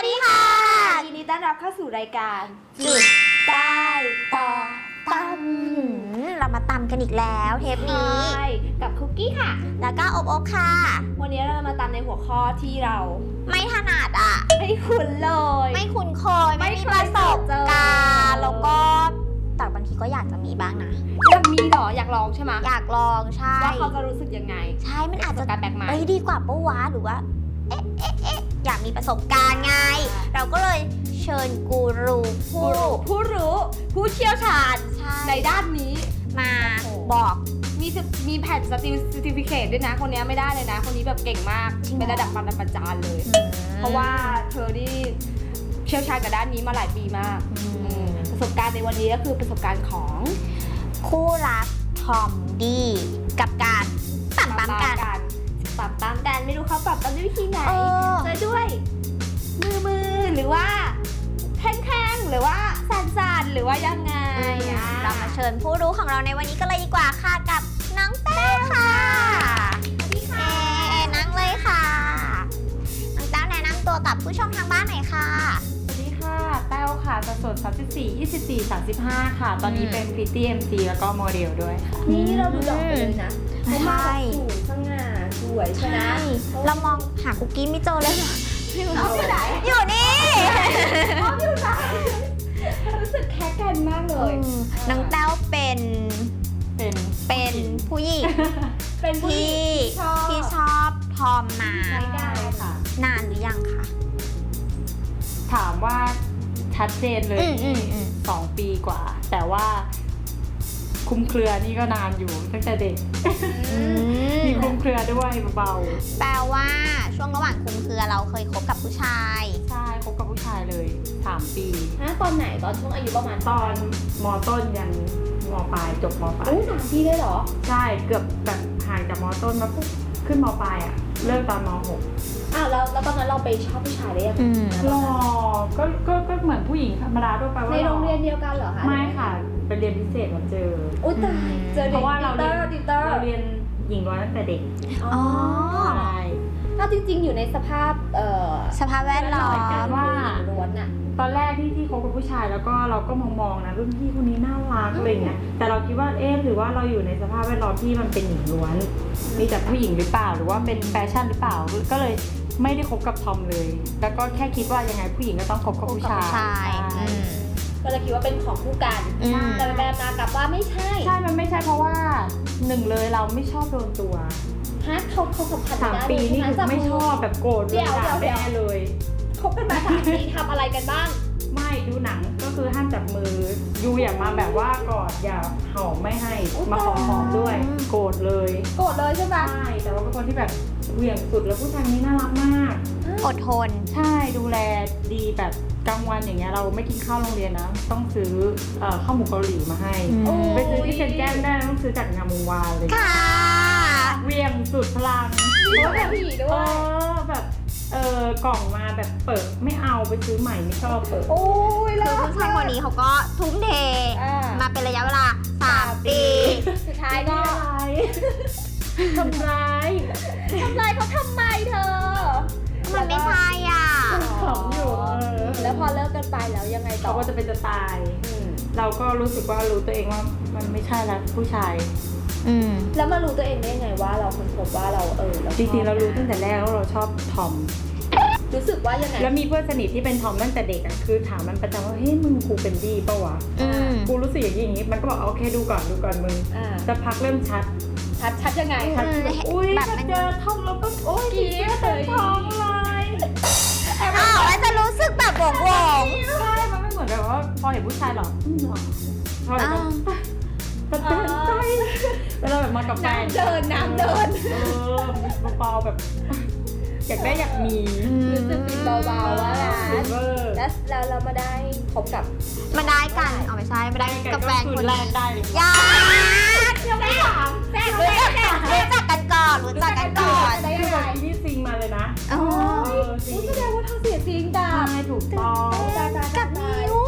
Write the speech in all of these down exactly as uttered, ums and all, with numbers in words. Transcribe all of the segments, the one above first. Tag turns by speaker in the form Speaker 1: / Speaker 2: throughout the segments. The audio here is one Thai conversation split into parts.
Speaker 1: ดีค่ะ
Speaker 2: ยินดีต้อนรับเข้าสู่รายการ
Speaker 1: จุดใต้ต่อตำเรามาตำกันอีกแล้วเทปนี้
Speaker 2: กับคุกกี้ค่ะ
Speaker 1: แล้วก็อบอบค่ะ
Speaker 2: วันนี้เรามาตำในหัวข้อที่เรา
Speaker 1: ไม่ถนัดอ่ะ
Speaker 2: ไม่คุ้นเลย
Speaker 1: ไม่คุ้นเคยไม่มีประสบการณ์แล้วก็แต่บางทีก็อยากจะมีบ้างนะ
Speaker 2: อยากมีหรออยากลองใช่ไหม
Speaker 1: อยากลองใช่
Speaker 2: ว่าเขาจะรู้สึกยังไง
Speaker 1: ใช่มันอาจจะ
Speaker 2: การแปลกใหม่
Speaker 1: เอ้ยดีกว่าปะวะหรือว่าเอ๊ะเอ๊ะเอ๊ะอยากมีประสบการณ์ไงเราก็เลยเชิญกูรูผู้
Speaker 2: ผู้รู้ผู้เชี่ยวชาญในด้านนี้
Speaker 1: มาบอก
Speaker 2: มีมีแผ่นสติสติฟิเคตด้วยนะคนนี้ไม่ได้เลยนะคนนี้แบบเก่งมากเป็นระดับปรมาจารย์เลยเพราะว่าเธอที่เชี่ยวชาญกับด้านนี้มาหลายปีมากประสบการณ์ในวันนี้ก็คือประสบการณ์ของ
Speaker 1: คู่รักทอมดี้กับการปั๊มปั๊มกัน
Speaker 2: ปั๊มปั๊มกันไม่รู้เขาปั๊มปั๊มด้วยวิธีไหนจะด้วยมือมือหรือว่าแข้งๆหรือว่าสั่นๆหรือว่ายังไง
Speaker 1: เรามาเชิญผู้รู้ของเราในวันนี้ก็เลยดีกว่าค่ะกับน้องแต้วค่ะ
Speaker 2: สวัสดีค่ะ
Speaker 1: นั่งเลยค่ะน้องแต้วแนะนำตัวกับผู้ชมทางบ้านหน่อยค่ะ
Speaker 3: สวัสดีค่ะแต้วค่ะสัดส่วนสามสิบสี่ ยี่สิบสี่ สามสิบห้าค่ะตอนนี้เป็นพริตตี้ เอ็ม ซี แล้วก็โมเดลด้วยค่ะ
Speaker 2: นี่เราดูดอกเลยนะ
Speaker 1: ใช่
Speaker 2: สูงสง่าสวยใช่ไหม
Speaker 1: เรามองหาคุกกี้ไม่เจอเลย
Speaker 2: อยู่ไหน
Speaker 1: อยู่นี่
Speaker 2: อยู่ไหนรู้สึกแค่กันมากเลย
Speaker 1: น้องแต้วเป็น
Speaker 3: เป็น
Speaker 1: เป็นผู้หญิง
Speaker 2: เป็น
Speaker 1: ที่ที่ชอบทอมมา
Speaker 2: ได้ค่ะ
Speaker 1: นานหรือยังคะ
Speaker 3: ถามว่าชัดเจนเลยสองปีกว่าแต่ว่าคุมเครือนี่ก็นานอยู่ตั้งแต่เด็กมีคุมเครือด้วยเบา
Speaker 1: ๆแปลว่าช่วงระหว่างคุมเครือเราเคยคบกับผู้ชาย
Speaker 3: ใช่คบกับผู้ชายเลยสามปี
Speaker 2: ฮะตอนไหนตอนช่วงอายุประมาณ
Speaker 3: ตอนม.ต้นยันม.ปลายจบม.ปลาย
Speaker 2: โอ้สามปีเลยเหรอ
Speaker 3: ใช่เกือบแบบห่างจากม.ต้นมาปุ๊บขึ้นม.ปลายอ่ะเลิกตอนม.หก
Speaker 2: อ้าวแล้วแล้วตอนนั้นเราไปชอบผู้ชายได้ยังไง
Speaker 3: หรอก็ก็ก็เหมือนผู้หญิงธรรมดาทั่วไปว่า
Speaker 2: ในโรงเรียนเดียวกันเหรอคะ
Speaker 3: ไม่ค่ะไปเรียนพิเศษมาเจอ
Speaker 2: อุ้ยตายเจอ
Speaker 3: เพราะว่าเราเรียน
Speaker 2: เรา
Speaker 3: เรียนหญิงล้วนตั้งแต่เด็ก
Speaker 1: อ๋อ
Speaker 3: ใช่
Speaker 2: ถ้าจริงๆอยู่ในสภาพเอ่อ
Speaker 1: สภาพแวดล้อม
Speaker 3: ว่า
Speaker 2: ล้วนอะ
Speaker 3: ตอนแรกที่ที่คบกับผู้ชายแล้วก็เราก็มองๆนะรุ่นพี่คนนี้น่ารักอะไรเงี้ยแต่เราคิดว่าเอ๊ะหรือว่าเราอยู่ในสภาพแวดล้อมที่มันเป็นหญิงล้วนมีแต่ผู้หญิงหรือเปล่าหรือว่าเป็นแฟชั่นหรือเปล่าก็เลยไม่ได้คบกับทอมเลยแล้วก็แค่คิดว่ายังไงผู้หญิงก็ต้องคบกับผู้ชาย
Speaker 2: ก็เลยคิดว่าเป็นของคู่กันแต่แบบมากับว่าไม่ใช่
Speaker 3: ใช่มันไม่ใช่เพราะว่าหนึ่งเลยเราไม่ชอบโดนตัว
Speaker 2: ฮะเขาเขาสัมผัส
Speaker 3: สามปีนี่คือไม่ชอบแบบโกรธเลยด่าแม่เลย
Speaker 2: คบกันมาสามปีทำอะไรกันบ้าง
Speaker 3: ไม่ดูหนังก็คือห้ามจับมือยูอย่ามาแบบว่ากอดอย่าหอมไม่ให้มาขอหอมด้วยโกรธเลย
Speaker 2: โกรธเลยใช่ไหม
Speaker 3: ใช่แต่ว่าเป็นคนที่แบบเหวี่ยงสุดแล้วผู้ชายนี้น่ารักมาก
Speaker 1: อดทน
Speaker 3: ใช่ดูแลดีแบบกลางวันอย่างเงี้ยเราไม่กินข้าวโรงเรียนนะต้องซื้อข้าวหมูเกาหลีมาให้ไปซื้อที่เซ็นแก้มได้ต้องซื้อจากงามวงวานเลย
Speaker 1: ค่ะ
Speaker 3: เหวี่ยงสุดพลัง
Speaker 2: เพราะแบบผีด้วย
Speaker 3: แบบเออกล่องมาแบบเปิดไม่เอาไปซื้อใหม่ไม่ชอบเปิด
Speaker 2: โอ้ยแล้ว
Speaker 1: ผู้ชายคนนี้เขาก็ทุ่มเทมาเป็นระยะเวลาสามปี
Speaker 2: สุดท้ายก็
Speaker 3: ทำร้าย
Speaker 2: ทำร้ายเขาทำไมเธอ
Speaker 1: มันไม่ใช่อ่ะ
Speaker 3: ขำอยู่
Speaker 2: แล้วพอเลิกกันไปแล้วยังไงต่อ
Speaker 3: เขาก็จะเป็นจะตายเราก็รู้สึกว่ารู้ตัวเองว่ามันไม่ใช่แล้วผู้ชาย
Speaker 2: แล้วมารู้ตัวเองได้ยังไงว่าเราคนพบว่าเราเออ
Speaker 3: จริงๆเรารู้ตั้งแต่แรกว่าเราชอบทอม
Speaker 2: รู้สึกว่ายังไง
Speaker 3: แล้วมีเพื่อนสนิทที่เป็นทอมตั้งแต่เด็กอ่ะคือถามมันประจำว่าเฮ้ยมึงกูเป็นดีป่าวะกูรู้สึกอย่างนี้อย่างนี้มันก็บอกโอเคดูก่อนดูก่อนมึงจะพักเริ่มชัด
Speaker 2: ชัดชัดยังไง
Speaker 3: ชัดอุ้ยแบบเจอทอมแล้วก็โอ้ย
Speaker 2: กี๊ดเลย
Speaker 3: ทอมเลย
Speaker 1: อ้าวแล้วจะรู้สึกแบบวงวง
Speaker 3: ใช่มันไม่เหมือนแบบว่าพอเห็นผู้ชายหรอพอเห็นกระเตือนใจเวลาแบบมากับแฟน
Speaker 2: เดินน้ำเดิน
Speaker 3: เออเบาๆแบบอยากได้อยากมี
Speaker 2: รู้สึกติดเบาๆว่าแล้วแล้วเรามาได้พบกับ
Speaker 1: มาได้กันเอาไม่ใช่มาได้กับแฟนคนแรก
Speaker 3: ได้
Speaker 1: ยา
Speaker 2: ยังไม่ถามแฟนรู้
Speaker 1: จักกันก่อนรู้จักกันก่อน
Speaker 3: ได้ยังไงนี่ซิงมาเลยนะ
Speaker 2: อ๋อแสดงว่าเธอเสียจริงจ้า
Speaker 3: ใช่ถูกต้อง
Speaker 1: กับนิ้ว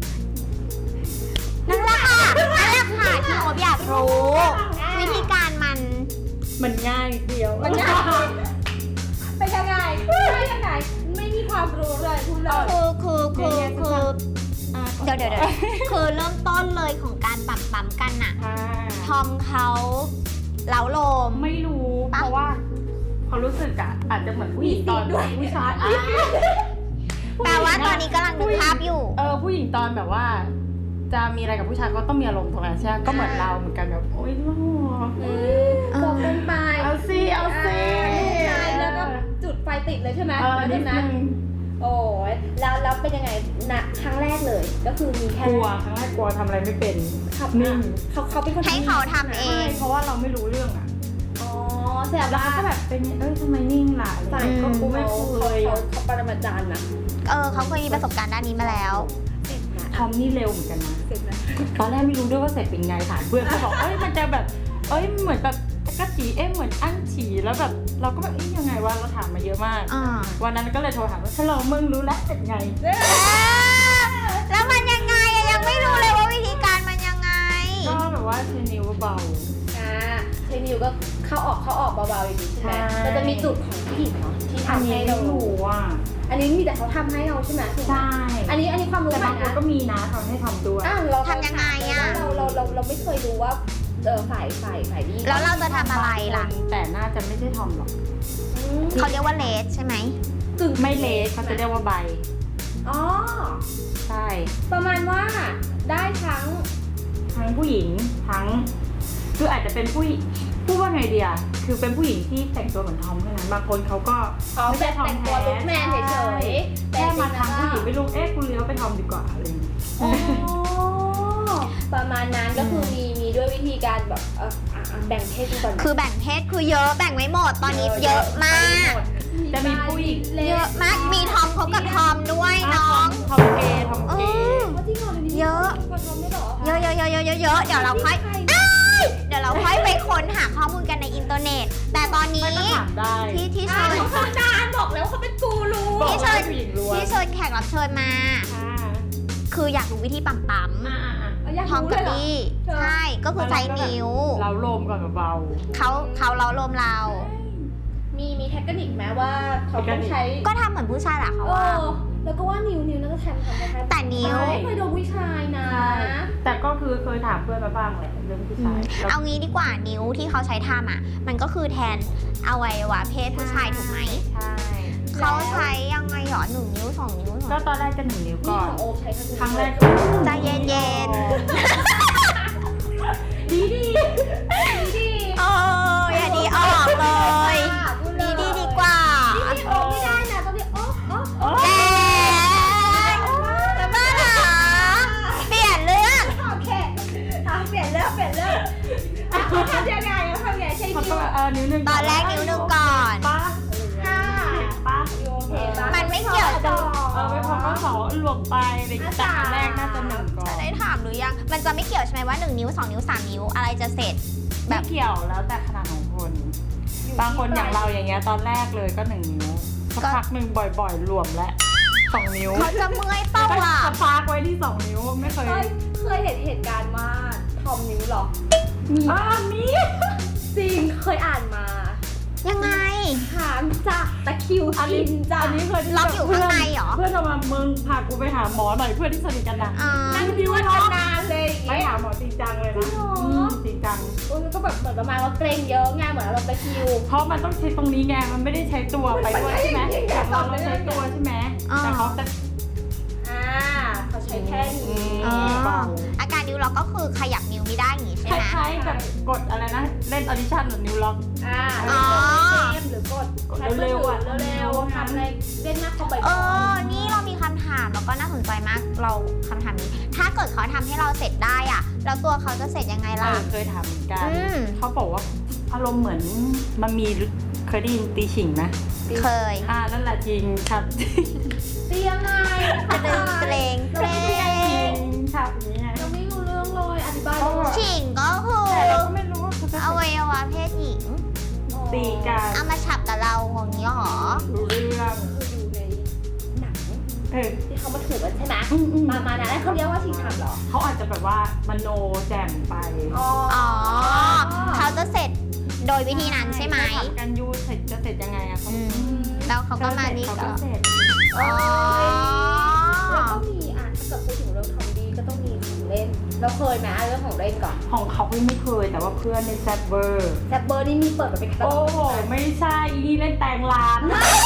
Speaker 1: นั่นแหละค่ะนั่นแหละค่ะที่ผมอยากรู้วิธีการมัน
Speaker 3: มันง่ายเดียว
Speaker 2: มันง่ายเป็นยังไงเป็นยังไงไม่มีความรู้เลยผู้
Speaker 1: คือคือคือคือ
Speaker 3: อ่ะ
Speaker 1: เดี๋ยวเดี๋ยวเดี๋ยวคือเริ่มต้นเลยของการปั๊มปั๊มกันน่ะ
Speaker 3: อ่า
Speaker 1: ทอมเขาเล้าโลม
Speaker 3: ไม่รู้เพราะว่าเขารู้สึกอะอาจจะเหมือนผู้หญิงตอนผู้ชายอ่ะ
Speaker 1: แปลว่าตอนนี้กำลังดูภาพอยู่
Speaker 3: เออผู้หญิงตอนแบบว่า จะมีอะไรกับผู้ชายก็ต้องมีอารมณ์ตรงนั้นใช่ไหมก็เหมือนเราเหมือนกันแบบโอ๊ยลูก
Speaker 2: จบกันไป
Speaker 3: เอาสิเอาสิ
Speaker 2: ใช่แล้วก็จุดไฟติดเลยใช่ไหม
Speaker 3: เออนิดนึง
Speaker 2: โอ้ยแล้วแล้วเป็นยังไงนะครั้งแรกเลย ก็คือมีแค่
Speaker 3: กลัวครั้งแรกกลัวทำอะไรไม่เป็น
Speaker 2: ขับ
Speaker 3: นิ่ง
Speaker 2: เขาเขาเป็นคน
Speaker 1: ให้เขาทำเอ
Speaker 3: ใช่
Speaker 1: ง
Speaker 3: เพราะว่าเราไม่รู้เรื่องอะ
Speaker 2: อ๋อแสดง
Speaker 3: แล้ว
Speaker 2: ว่า
Speaker 3: เขาก็แบบเป็นเอ้ยทำไมนิ่งล่ะอะไร
Speaker 2: ฝ่าย
Speaker 3: เงี้ยก็กูไม่เคย
Speaker 2: เขาเขาปรมาจารย์นะ
Speaker 1: เออเขาเคยมีประสบการณ์ด้านนี้มาแล้ว
Speaker 2: เสร็จนะ
Speaker 3: ทอมนี่เร็วเหมือนกันนะ
Speaker 2: เสร็จนะ
Speaker 3: ตอนแรกไม่รู้ด้วยว่าเสร็จเป็นไงถามเพื่อนเขาบอกเอ้ยมันจะแบบเอ้ยเหมือนแบบกระจีเอ๊ะเหมือนอั้นฉี่แล้วแบบเราก็แบบเอ้ยยังไงวะเราถามมาเยอะมาก
Speaker 1: อ่า
Speaker 3: วันนั้นก็เลยโทรถามว่าฮัลโหลมึงรู้แล้วเป็นไง
Speaker 1: แล้วมันยังไงอะยังไม่รู้เลยว่าวิธีการมันยังไง
Speaker 3: ก็แบบว่าใช้นิ้วเบา
Speaker 2: อ่าใช้นิ้วก็เข้าออกเข้าออกเบาๆอย่างนี้ใช่ไหม
Speaker 3: ใช่
Speaker 2: แต่จะมีจุดของผู้หญิงเนาะที่
Speaker 3: อัน
Speaker 2: ทำ
Speaker 3: นี้
Speaker 2: ให้
Speaker 3: ไม่
Speaker 2: เรา
Speaker 3: รู้อ่ะ
Speaker 2: อันนี้มีแต่เขาทำให้เราใช่ไหมถูกไหม
Speaker 3: ใช่
Speaker 2: อันนี้อันนี้ความรู้
Speaker 3: แต่
Speaker 2: ใหม่
Speaker 3: บางคน
Speaker 2: นะ
Speaker 3: ก็มีนะทำให้ทำด้วย
Speaker 2: อ่ะเรา
Speaker 1: ทำยังไงอะ
Speaker 2: เราเราเราเราไม่เคยรู้ว่าเออฝ่ายฝ่ายฝ่ายนี้
Speaker 1: แล้วเราจะทำอะไรล่ะ
Speaker 3: แต่น่าจะไม่ใช่ทอมหรอก
Speaker 2: อืม
Speaker 1: เขาเรียกว่าเลสใช่ไหม
Speaker 2: กึ่ง
Speaker 3: ไม่เลสเขาจะเรียกว่าใบ
Speaker 2: อ๋อ
Speaker 3: ใช่
Speaker 2: ประมาณว่าได้ทั้ง
Speaker 3: ทั้งผู้หญิงทั้งคืออาจจะเป็นผู้หญิงพูดว่าไงเดียคือเป็นผู้หญิงที่แต่งตัวเหมือนทอมเท่านั้นบางคนเขาก็
Speaker 2: อ๋อ
Speaker 3: ไม่
Speaker 2: แต่
Speaker 3: ใช่ทอม
Speaker 2: แต่งตัว
Speaker 3: แท้
Speaker 2: ลุกแมนเฉยๆ
Speaker 3: แค่มาทำผู้หญิงไม่รู้เอ๊ะคุณเลี้ยวไปทอมดีกว่าอะไรอย่างเงี้ย
Speaker 2: อ๋อประมาณนั้นก็คือมีมีด้วยวิธีการแบบเอออ่ะอ่ะแบ่งเพศกันก่อน
Speaker 1: คือแบ่งเพศคือเยอะแบ่งไม่หมดตอนนี้เยอะมาก
Speaker 3: จะมีผู้หญิง
Speaker 1: เยอะมากมีทอมคบกับทอมด้วยน้อง
Speaker 3: ทอมเกย์ทอม
Speaker 1: เอ
Speaker 3: เกย์
Speaker 1: อ
Speaker 2: ว่าจริงเหรอเดี๋ยวนี้
Speaker 1: เยอะ
Speaker 2: มีคนทำด้วยเหรอ
Speaker 1: เยอะเยอะเยอะเยอะเยอะเยอะเดี๋ยวเราค่อยเดี๋ยวเราค่อยไปค้นหาข้อมูลกันในอินเทอร์เน็ต แต่ตอนนี้
Speaker 3: ไม่ก็ถามได้
Speaker 1: ที่ที่
Speaker 2: อ่า
Speaker 1: เชิญ
Speaker 2: เขาทำนานบอกแล้ววาเขาเป็นกูรู
Speaker 3: บอก
Speaker 1: ที่เชิ
Speaker 3: ว่า
Speaker 1: ญ
Speaker 3: ผู้หญิงล้วน
Speaker 1: ที่เชิญแขกรับเชิญมา
Speaker 3: อ่า
Speaker 1: คืออยากรู้วิธีปั๊มปั๊ม
Speaker 3: อ่าอ่า
Speaker 2: เอาอยาก
Speaker 1: ทอม
Speaker 2: รู้
Speaker 1: กั
Speaker 2: เล
Speaker 1: บ
Speaker 2: ยเหรอ
Speaker 1: นี่ใช่ก็คือใช้นิ้ว
Speaker 3: เราโลมก่อนเบา
Speaker 1: เขาเขาเล้าโลมเรา
Speaker 2: มีมีเทคนิคไหมว่าเขาต้องใช้
Speaker 1: ก็ทำเหมือนผู้ชายแหละเขา
Speaker 2: เอ
Speaker 1: ว่า
Speaker 2: อแล้วก็ว่านิ้วนิ้วน่าจะแทนทำได้แค่
Speaker 1: แต่นิ้ว
Speaker 2: ไม่เคยโดนผู้ชายนะ
Speaker 3: ใช่แต่ก็คือเคยถามเพื่อนมาบ้างแหละเรื่องผู้ชายแล้ว
Speaker 1: เอางี้ดีกว่านิ้วที่เขาใช้ทำอ่ะ มันก็คือแทนอวัยวะเพศผู้ชายถูกไหม
Speaker 3: ใช่
Speaker 1: เขาใช้ยังไงหรอหนึ่งนิ้วสองนิ้วสอง
Speaker 3: ก็ตอนแรกจะหนึ่งนิ้ว
Speaker 2: นี่
Speaker 3: ก่อน
Speaker 2: ของโอใช้ทั้ง
Speaker 3: ครั้งแรก
Speaker 1: ใจเย็น
Speaker 3: ดีดี
Speaker 2: ดี
Speaker 1: ๆเอออย่าดีออกเลย ดีดีดีกว่า
Speaker 2: ดีโอไม่ได้นะต้องเรียกโอ๊ะโอ๊ะโอ๊ะ
Speaker 1: แกจะบ้าเหรอเปลี่ยนเรื่อง
Speaker 2: โอเคทำเปลี่ยนเรื่องเปลี่ยนเรื่องอ่ะเขาทำยังไงเขาทำยังไงใช้
Speaker 3: เขา
Speaker 2: นิ้
Speaker 3: ก็
Speaker 2: ว
Speaker 3: เออนิ้วหนึ่ง
Speaker 1: ตอนแรกนิ้วหนึ่งก่อน
Speaker 3: ป้า
Speaker 2: ค่ะ
Speaker 3: ป้า
Speaker 2: โอเคปะ
Speaker 1: มันไม่เกี่ยว
Speaker 2: ต่อ
Speaker 3: เออไม่พอก็สองรวมไปในแต่อันแรกน่าจะหนึ่งก่อน
Speaker 1: ได้ถามหรือยัง มันจะไม่เกี่ยวใช่ไหมว่าหนึ่งนิ้วสองนิ้วสามนิ้วอะไรจะเสร็จ แบ
Speaker 3: แบบ บเกี่ยวแล้วแต่ขนาดของคน บางคนอย่างเราอย่างเงี้ยตอนแรกเลยก็หนึ่งนิ้วสักพักหนึ่งบ่อยๆ รวมและสองนิ้ว
Speaker 1: เขาจะเมื่อยเป้า
Speaker 3: ก็
Speaker 1: อ่ะ
Speaker 3: สปาร์กไว้ที่สองนิ้วไม่เคย
Speaker 2: เคยเคยเห็นเหตุการณ์ว่าทอมนิ้วเหรอ
Speaker 3: อ่ามี
Speaker 2: จริงเคยอ่านมา
Speaker 1: ยังไง
Speaker 2: ถามจากตะคริว
Speaker 3: อัน
Speaker 2: กิ
Speaker 3: นี้
Speaker 2: นจ้ะ
Speaker 3: อันนี้เคย
Speaker 1: ล็อกอยู่ข้างในเหรอ
Speaker 3: เพื่อนเอามามึงพากูไปหาหมอหน่อยเพื่อนที่สนิทกันนะ
Speaker 1: อ่า
Speaker 2: นั่งนวดกันนานเลยอย่าง
Speaker 3: ไม่
Speaker 2: เงี้ย
Speaker 3: หาหมอจริงจังเลยนะ
Speaker 2: จริงเหรอ
Speaker 3: อืมจริงจัง
Speaker 2: โอ้ยมันก็แบบเหมือนประมาณว่าเกรงเยอะไงเหมือนเราตะคริว
Speaker 3: เพราะมันต้องใช้ตรงนี้ไงมันไม่ได้ใช้ตัวไปด้วยใช่ไหมแต่เราเราใช้ตัวใช่ไหมแต่เขาจะ
Speaker 2: อ่าเขาใช้แค่นี้
Speaker 1: อ๋อ
Speaker 3: เบา
Speaker 1: อาการนิ้วล็อกก็คือขยับนิ้วไม่ได้อย่างงี้ใช่
Speaker 3: ค
Speaker 1: ไหม
Speaker 3: ล้ายๆแบบกดอะไรนะเล่นออดิชั่นหรือนิวล็อก
Speaker 2: อ่า
Speaker 1: อ๋อ
Speaker 2: เกมหรือกด
Speaker 3: กดเร็วๆอะ
Speaker 2: เร็วๆทำในเล่นหน้าคอมบ่อย
Speaker 1: เออ นี่เรามีคำถามแล้วก็น่าสนใจมาก เราคำถามนี้ ถ้าเกิดเขาทำให้เราเสร็จได้อ่ะ แล้วตัวเขาจะเสร็จยังไง
Speaker 3: เอ
Speaker 1: ล่ะ
Speaker 3: อเคยทำเหมือนกัน
Speaker 1: อืม
Speaker 3: เขาบอกว่าอารมณ์เหมือนมันมีเคยได้ยินตีฉิงไหม
Speaker 1: เคย
Speaker 3: อ่านั่นแหละจริงครับ
Speaker 2: ๆเตียงไง
Speaker 1: กระดึงเกรงเกร
Speaker 3: จริ
Speaker 1: ง
Speaker 3: งครับอย่างนี้ไง
Speaker 2: เราไม่รู้เรื่องเลยอธิบาย
Speaker 3: เขาบอก
Speaker 1: ฉิงก็คือ
Speaker 3: แต่เราก็ไม่รู้ว่าเขาจะ
Speaker 1: อวัยวะเพศหญิง
Speaker 3: ตีกัน
Speaker 1: เอามาฉับกับเราอย่างนี้หรอ
Speaker 3: รู้เรื่อง
Speaker 2: คืออยู่ในหนัง
Speaker 3: เออ
Speaker 2: ที่เขามาถูกกันใช่ไหม
Speaker 3: อืมอืม
Speaker 2: มามานะแล้วเขาเรียกว่าชิงชันเหรอ
Speaker 3: เขาอาจจะแบบว่ามโนแจ่มไป
Speaker 2: อ๋อ
Speaker 1: อ๋อ เขาจะเสร็จโดยวิธีนั้นใช่ไหม
Speaker 3: เขาถามกันยูเสร็จจะเสร็จยังไงอะเขา
Speaker 1: อืม แล้วเขาก็มานี่
Speaker 3: เขา
Speaker 1: ก็
Speaker 3: ก็เสร็จ
Speaker 1: อ๋อ
Speaker 2: เราเคยไหมเรื่องของเล่นก่อน
Speaker 3: ของเขาไม่เคยแต่ว่าเพื่อนในแซบเบอร์
Speaker 2: แซบเบอร์นี่มีเปิดแบบเป็นกระ
Speaker 3: โอ้
Speaker 2: ต๊อบ
Speaker 3: โหไม่ใช่อีนี่เล่นแตงร้าน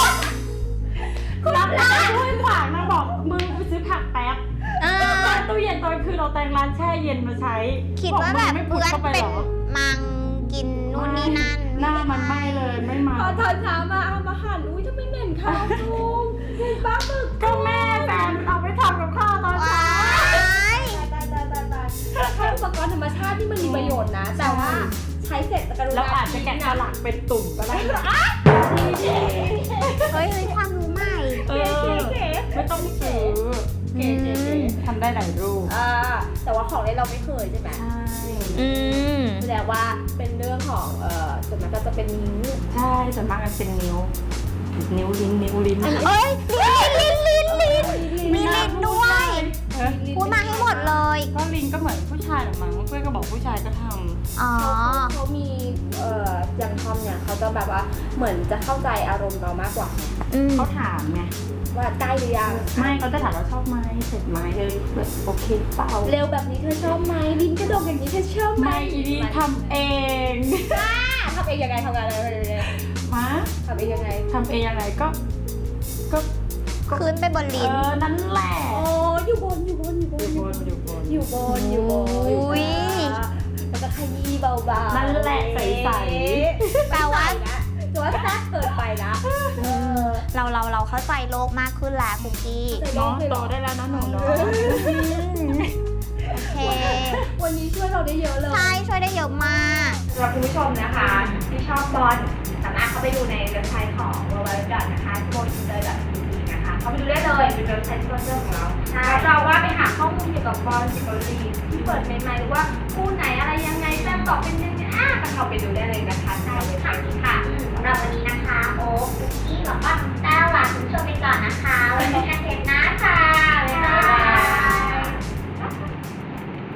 Speaker 3: รับร้านด้วยฝากนางบอกมึงไปซื้อผักแป๊บ
Speaker 1: เออ
Speaker 3: ตู้เย็นตอนคือเราแตงร้านแช่เย็นมาใช้
Speaker 1: คิดว่าแบบ
Speaker 3: ไม่
Speaker 1: เพื่อน
Speaker 3: เข้าไป
Speaker 1: เป็
Speaker 3: ห
Speaker 1: น
Speaker 3: รอ
Speaker 1: มังกินนู่นนี่นั่น
Speaker 3: หน้ามันไม่เลยไม่มา
Speaker 2: พอตอนเช้ามาเอามาหั่นอุ้ยทำไมเหม็นข้าวจุงเห็นปลาหมึก
Speaker 3: ก็แม่แฟนเอาไปทำกับข้าวตอน
Speaker 1: ว้า
Speaker 3: เช้า
Speaker 1: ย
Speaker 2: ตายตายตายตายใช้อุปกรณ์ธรรมชาติที่มันมีประโยชน์นะ แต่ว่าใช้เสร็จกรุณา
Speaker 3: เราอาจจะแกะสลักเป็นตุ่มก็ได้
Speaker 1: เฮ้ยเฮ้ยความรู้ใหม่
Speaker 3: เออไม่ต้องซื้อ
Speaker 2: เก๋เก๋เก๋
Speaker 3: ทำได้หลายรูป
Speaker 2: อ่าแต่ว่าของเล่นเราไม่เคยใช่ไหม
Speaker 3: ใช่
Speaker 1: อืม
Speaker 2: แสดงว่าเป็นเรื่องของเอ่อส่วนมากก็จะเป็นนิ้ว
Speaker 3: ใช่ส่วนมากมันเป็นนิ้ว นิ้วลิ้นนิ้วลิ้น
Speaker 1: เอ้ยลิ้นลิ้นลิ้นลิ้นมีลิ้นด้วย
Speaker 3: เออ
Speaker 1: พูดมาให้หมดเลย
Speaker 3: ก็ลิ้นก็เหมือนผู้ชายหรือมั้งเพื่อนก็บอกผู้ชายก็ท
Speaker 1: อ๋อ
Speaker 2: เขาเขามีเอ่ออย่างทอมเนี่ยเขาจะแบบว่าเหมือนจะเข้าใจอารมณ์เรามากกว่า
Speaker 1: อืม
Speaker 3: ำเขาถามไง
Speaker 2: ว่าใกล้หรือยัง
Speaker 3: ไม่เขาจะถามว่าชอบไหมเสร็จไหมเออแบบโอเคเปล่า
Speaker 2: เร็วแบบนี้เธอชอบไหมลิ้นกระดกอย่างนี้เธอชอบไหม
Speaker 3: ไม่อีนี่ทำเอง
Speaker 2: อ่าทำเองยังไงทำงานอะไรยังไง
Speaker 3: มา
Speaker 2: ทำเองยังไง
Speaker 3: ทำเองยังไงก็ก็
Speaker 1: ขึ้นไปบน
Speaker 3: เอ
Speaker 1: ลิ้น
Speaker 3: อนั่นแหละ
Speaker 2: โอ้อยู่บนอยู่บนอยู่บ
Speaker 3: อน ยู่บนอยู่บน
Speaker 2: อยู่บนอยู่บน
Speaker 1: อุ้ย
Speaker 2: แล้วก็ขยี้เบาๆ
Speaker 3: นั่นแหละใส
Speaker 1: แปลว่า
Speaker 2: แต่ว่าแซ่บเกินไปนะเออ
Speaker 1: เราเราเราเข้าใจโลกมากขึ้นแล้วคุกกี้
Speaker 3: ๆเนาะโตได้แล้วนะหนูเนาะ
Speaker 1: โอเค
Speaker 2: วันนี้ช่วยเราได้เยอะเลย
Speaker 1: ใช่ช่วยได้เยอะมาก
Speaker 2: สำหรับคุณผู้ชมนะคะที่ชอบบอลสามารถเข้าไปดูในเว็บไซต์ของ ดับเบิลยู ดับเบิลยู ดับเบิลยู ดอท นะคะโมนิเตอร์ ดอท ที วี นะคะเข้าไปดูได้เลยเป็นเว็บไซต์สปอนเซอร์ของเราแล้วเราว่าไปหาข้อมูลเกี่ยวกับบอลเกี่ยวกับลีกที่เปิดใหม่ๆหรือว่าคู่ไหนอะไรยังไงแต้มต่อเป็นยังไงอ่ะก็เข้าไปดูได้เลยนะคะในเว็บไซต์นี้ค่ะ